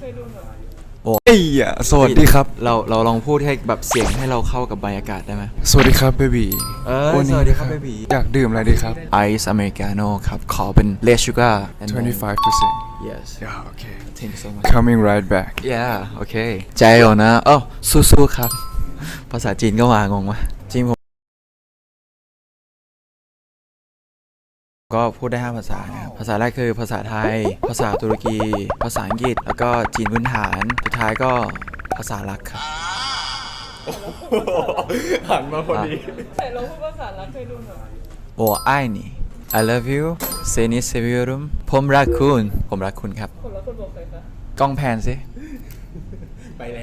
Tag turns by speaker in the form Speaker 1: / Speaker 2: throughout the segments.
Speaker 1: ยดูหน่อย
Speaker 2: โอ้ยสวัสดีครับ
Speaker 3: เราลองพูดให้แบบเสียงให้เราเข้ากับบรรยากาศได้ไหม
Speaker 2: สวัสดีครับเบบี
Speaker 3: สวัสดีครับเบบี
Speaker 2: อยากดื่มอะไรดีครับ
Speaker 3: ไอซ์อเมริกาโน่ครับขอเป็นเลสชูการ์
Speaker 2: 25%
Speaker 3: yes
Speaker 2: yeah okay
Speaker 3: thank you so much
Speaker 2: coming right back
Speaker 3: yeah โอเคใจอ่อนนะสู้ๆครับภาษาจีนก็มางงวะจีนผมก็พูดได้5ภาษานะครับภาษาแรกคือภาษาไทยภาษาตุรกีภาษาอังกฤษแล้วก็จีนพื้นฐานสุดท้ายก็ภาษารักครับ
Speaker 2: หันมาพอดี
Speaker 1: แต่เราพูดภาษารักเคยดูหน่อย
Speaker 3: 我爱你 I love you seni seviyorum ผมรักคุณครับ
Speaker 1: คนละคนบอกใครคะ
Speaker 3: กล้องแพนสิ
Speaker 2: ไปแล้ว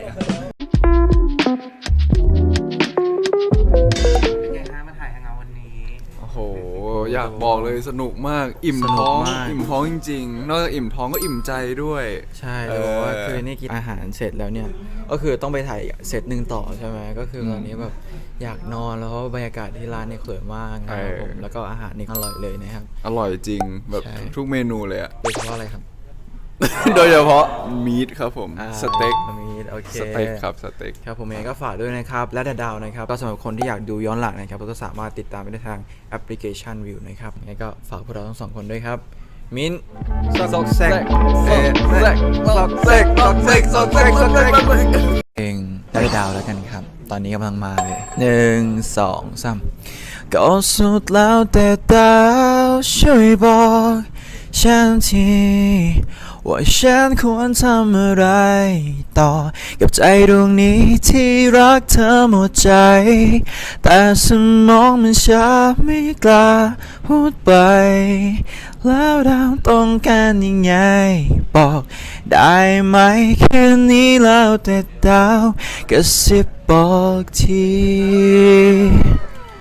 Speaker 4: เป็นไงฮะมาถ่ายฮางเอาท์วันนี้
Speaker 2: โอ้โหอยากบอกเลยสนุกมากอิ่มท้องจริงๆนอกจากอิ่มท้องก็อิ่มใจด้วย
Speaker 3: ใช่แต่บอกว่าคือนี่กินอาหารเสร็จแล้วเนี่ยก็คือต้องไปถ่ายเซตหนึ่งต่อใช่ไหมก็คือตอนนี้แบบอยากนอนแล้วเพราะบรรยากาศที่ร้านเนี่ยสวยมากนะครับผมแล้วก็อาหารนี่อร่อยเลยนะครับ
Speaker 2: อร่อยจริงแบบ
Speaker 3: ใช่
Speaker 2: ทุกเมนูเลยอะ
Speaker 3: โดยเฉพาะอะไรครับ
Speaker 2: โดยเฉพาะมีทครับผมสเต็ก
Speaker 3: มีโอเค
Speaker 2: สเต็กครับสเต็ก
Speaker 3: ครับผมเองก็ฝากด้วยนะครับและดาวนะครับก็สำหรับคนที่อยากดูย้อนหลังนะครับก็สามารถติดตามได้ทางแอปพลิเคชันวิวนะครับยังไงก็ฝากพวกเราทั้งสองคนด้วยครับมิ้นซอกแซกเองได้ดาวแล้วกันครับตอนนี้กำลังมาเลย1 2 3ก็สุดแล้วแต่ดาวช่วยบอกฉันทีว่าฉันควรทำอะไรต่อกับใจดวงนี้ที่รักเธอหมดใจแต่สมองมันช้าไม่กล้าพูดไปแล้วดาวต้องการยังไงบอกได้ไหมแค่นี้แล้วแต่ดาวกระซิบบอกที